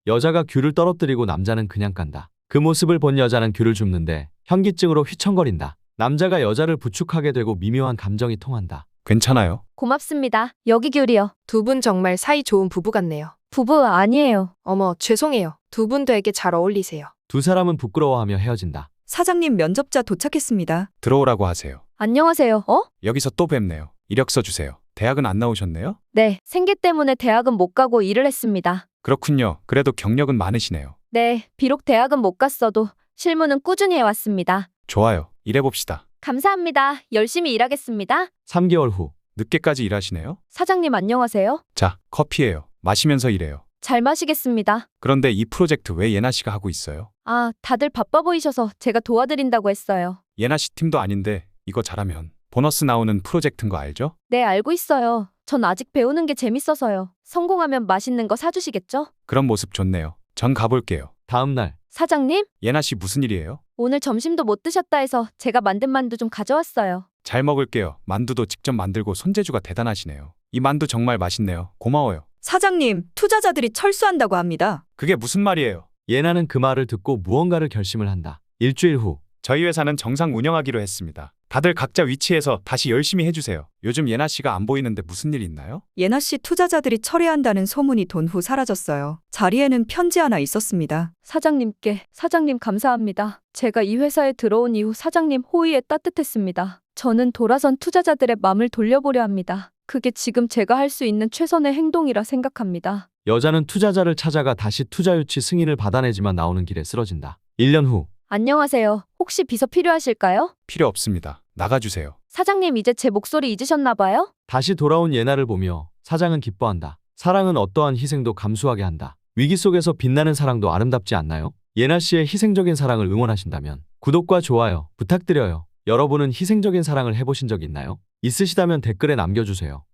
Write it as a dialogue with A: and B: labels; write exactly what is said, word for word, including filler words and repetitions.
A: 여자가 귤을 떨어뜨리고 남자는 그냥 깐다. 그 모습을 본 여자는 귤을 줍는데 현기증으로 휘청거린다. 남자가 여자를 부축하게 되고 미묘한 감정이 통한다.
B: 괜찮아요?
C: 고맙습니다. 여기 귤이요.
D: 두 분 정말 사이 좋은 부부 같네요.
C: 부부 아니에요.
D: 어머, 죄송해요. 두 분 되게 잘 어울리세요.
A: 두 사람은 부끄러워하며 헤어진다.
E: 사장님 면접자 도착했습니다.
B: 들어오라고 하세요.
C: 안녕하세요. 어?
B: 여기서 또 뵙네요. 이력서 주세요. 대학은 안 나오셨네요?
C: 네, 생계 때문에 대학은 못 가고 일을 했습니다.
B: 그렇군요. 그래도 경력은 많으시네요.
C: 네, 비록 대학은 못 갔어도 실무는 꾸준히 해왔습니다.
B: 좋아요. 일해봅시다.
C: 감사합니다. 열심히 일하겠습니다.
A: 삼 개월 후
B: 늦게까지 일하시네요?
C: 사장님 안녕하세요.
B: 자, 커피예요. 마시면서 일해요.
C: 잘 마시겠습니다.
B: 그런데 이 프로젝트 왜 예나 씨가 하고 있어요?
C: 아, 다들 바빠 보이셔서 제가 도와드린다고 했어요.
B: 예나 씨 팀도 아닌데 이거 잘하면 보너스 나오는 프로젝트인 거 알죠?
C: 네, 알고 있어요. 전 아직 배우는 게 재밌어서요. 성공하면 맛있는 거 사주시겠죠?
B: 그런 모습 좋네요. 전 가볼게요.
A: 다음 날
C: 사장님,
B: 예나 씨 무슨 일이에요?
C: 오늘 점심도 못 드셨다 해서 제가 만든 만두 좀 가져왔어요.
B: 잘 먹을게요. 만두도 직접 만들고 손재주가 대단하시네요. 이 만두 정말 맛있네요. 고마워요.
E: 사장님, 투자자들이 철수한다고 합니다.
B: 그게 무슨 말이에요?
A: 예나는 그 말을 듣고 무언가를 결심을 한다. 일주일 후
B: 저희 회사는 정상 운영하기로 했습니다. 다들 각자 위치에서 다시 열심히 해주세요. 요즘 예나 씨가 안 보이는데 무슨 일 있나요?
E: 예나 씨 투자자들이 철회한다는 소문이 돈 후 사라졌어요. 자리에는 편지 하나 있었습니다.
C: 사장님께, 사장님 감사합니다. 제가 이 회사에 들어온 이후 사장님 호의에 따뜻했습니다. 저는 돌아선 투자자들의 마음을 돌려보려 합니다. 그게 지금 제가 할 수 있는 최선의 행동이라 생각합니다.
A: 여자는 투자자를 찾아가 다시 투자 유치 승인을 받아내지만 나오는 길에 쓰러진다. 일 년 후
C: 안녕하세요. 혹시 비서 필요하실까요?
B: 필요 없습니다. 나가주세요.
C: 사장님 이제 제 목소리 잊으셨나 봐요?
A: 다시 돌아온 예나를 보며 사장은 기뻐한다. 사랑은 어떠한 희생도 감수하게 한다. 위기 속에서 빛나는 사랑도 아름답지 않나요? 예나 씨의 희생적인 사랑을 응원하신다면 구독과 좋아요 부탁드려요. 여러분은 희생적인 사랑을 해보신 적 있나요? 있으시다면 댓글에 남겨주세요.